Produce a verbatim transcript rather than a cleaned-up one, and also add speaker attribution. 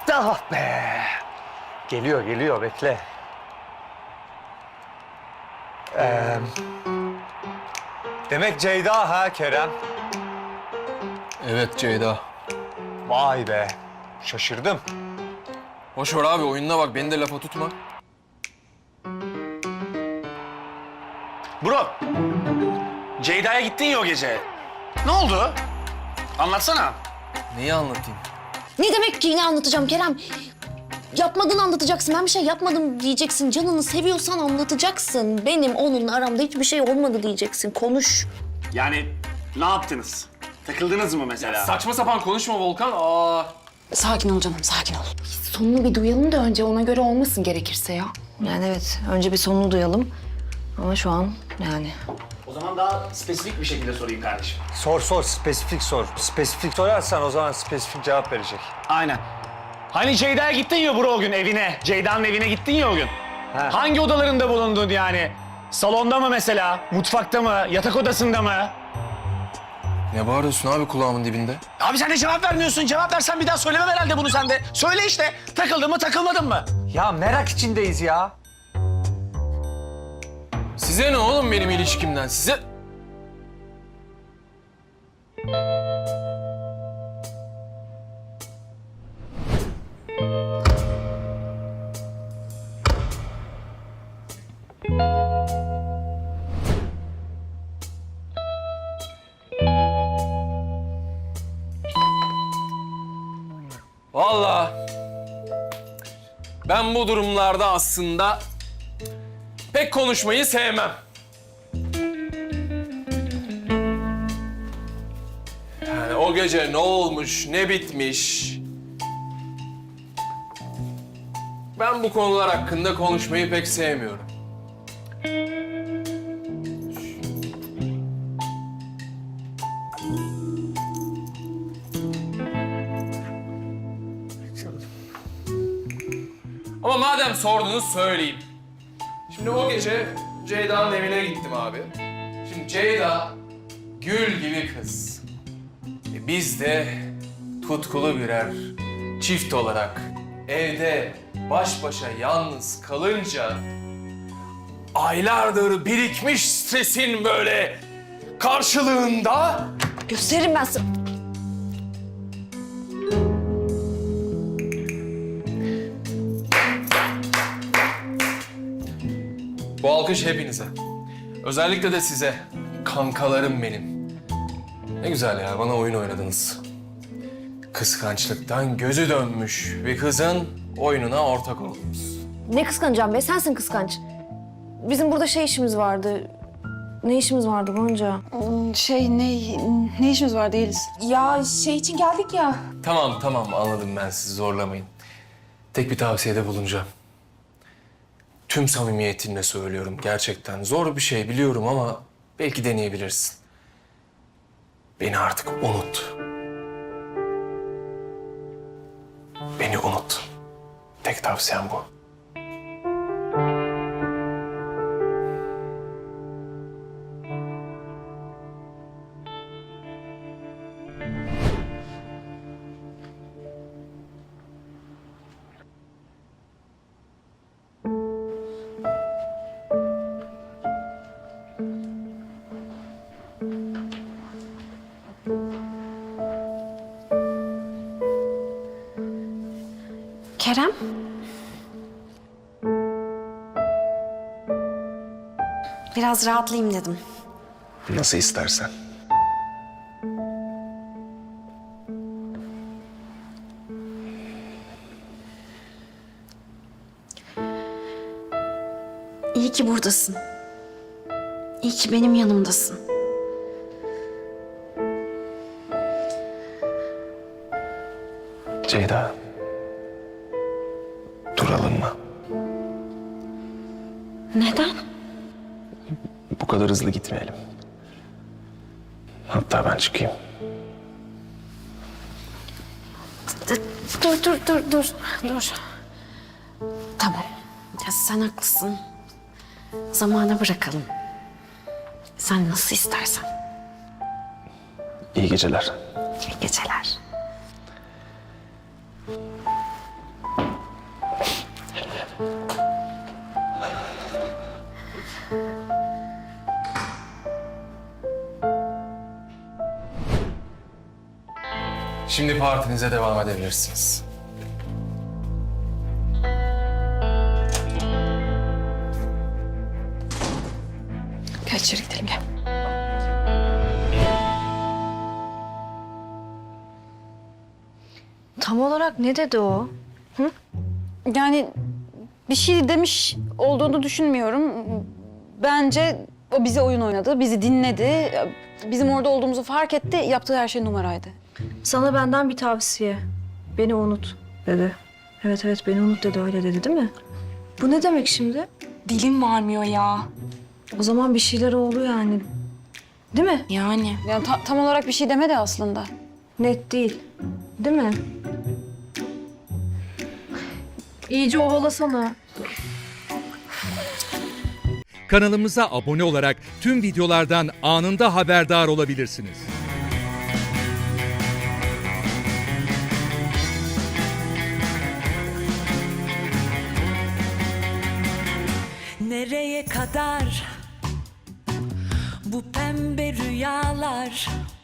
Speaker 1: Ah be. Geliyor, geliyor. Bekle. Ee, demek Ceyda ha Kerem?
Speaker 2: Evet Ceyda.
Speaker 1: Vay be. Şaşırdım.
Speaker 2: Boş ver abi, oyununa bak, beni de lafa tutma.
Speaker 3: Bro, Ceyda'ya gittin ya o gece. Ne oldu? Anlatsana.
Speaker 2: Neyi anlatayım?
Speaker 4: Ne demek ki yine anlatacağım Kerem? Yapmadığını anlatacaksın. Ben bir şey yapmadım diyeceksin. Canını seviyorsan anlatacaksın. Benim onunla aramda hiçbir şey olmadı diyeceksin. Konuş.
Speaker 3: Yani ne yaptınız? Takıldınız mı mesela?
Speaker 2: Saçma sapan konuşma Volkan. Aa.
Speaker 4: Sakin ol canım, sakin ol. Sonunu bir duyalım da önce ona göre olmasın gerekirse ya. Yani evet, önce bir sonunu duyalım. Ama şu an yani...
Speaker 3: O zaman daha spesifik bir şekilde sorayım kardeşim.
Speaker 1: Sor sor, spesifik sor. Spesifik sorarsan o zaman spesifik cevap verecek.
Speaker 3: Aynen. Hani Ceyda'ya gittin ya bro o gün evine. Ceyda'nın evine gittin ya o gün.
Speaker 1: Ha.
Speaker 3: Hangi odalarında bulundun yani? Salonda mı mesela? Mutfakta mı? Yatak odasında mı?
Speaker 2: Ne bağırıyorsun abi kulağımın dibinde?
Speaker 3: Abi sen de cevap vermiyorsun. Cevap versen bir daha söylemem herhalde bunu sen de. Söyle işte. Takıldın mı takılmadın mı?
Speaker 1: Ya merak içindeyiz ya.
Speaker 2: Size ne oğlum benim ilişkimden? Size... Vallahi ben bu durumlarda aslında pek konuşmayı sevmem. Yani o gece ne olmuş, ne bitmiş... Ben bu konular hakkında konuşmayı pek sevmiyorum. Ama madem sordunuz söyleyeyim. Şimdi o gece Ceyda'nın evine gittim abi. Şimdi Ceyda gül gibi kız. E biz de tutkulu birer çift olarak evde baş başa yalnız kalınca aylardır birikmiş stresin böyle karşılığında
Speaker 4: Gösteririm ben sana.
Speaker 2: bu alkış hepinize. Özellikle de size. Kankalarım benim. Ne güzel ya, bana oyun oynadınız. Kıskançlıktan gözü dönmüş bir kızın oyununa ortak oldunuz.
Speaker 4: Ne kıskanacağım be? Sensin kıskanç. Bizim burada şey işimiz vardı. Ne işimiz vardı Gonca?
Speaker 5: Şey ne ne işimiz var değiliz.
Speaker 6: Ya şey için geldik ya.
Speaker 2: Tamam tamam, anladım, ben sizi zorlamayın. Tek bir tavsiyede bulunacağım. Tüm samimiyetimle söylüyorum, gerçekten zor bir şey biliyorum ama belki deneyebilirsin. Beni artık unut. Beni unut. Tek tavsiyem bu.
Speaker 4: Kerem? Biraz rahatlayayım dedim.
Speaker 2: Nasıl istersen.
Speaker 4: İyi ki buradasın. İyi ki benim yanımdasın.
Speaker 2: Ceyda. Duralım mı?
Speaker 4: Neden?
Speaker 2: Bu kadar hızlı gitmeyelim. Hatta ben çıkayım.
Speaker 4: Dur, dur, dur, dur, dur. Tamam. Ya sen haklısın. Zamana bırakalım. Sen nasıl istersen.
Speaker 2: İyi geceler.
Speaker 4: İyi geceler.
Speaker 2: Şimdi partinize devam edebilirsiniz.
Speaker 5: Gel içeri gidelim gel.
Speaker 4: Tam olarak ne dedi o?
Speaker 5: Yani bir şey demiş olduğunu düşünmüyorum. Bence o bize oyun oynadı, bizi dinledi. Bizim orada olduğumuzu fark etti, yaptığı her şey numaraydı.
Speaker 7: Sana benden bir tavsiye. Beni unut dedi. Evet evet beni unut dedi öyle dedi değil mi? Bu ne demek şimdi?
Speaker 6: Dilim varmıyor ya.
Speaker 7: O zaman bir şeyler oldu yani. Değil mi?
Speaker 6: Yani.
Speaker 5: Yani ta- tam olarak bir şey demedi aslında.
Speaker 7: Net değil. Değil mi? İyice ovalasana.
Speaker 8: Kanalımıza abone olarak tüm videolardan anında haberdar olabilirsiniz.
Speaker 9: Nereye kadar bu pembe rüyalar?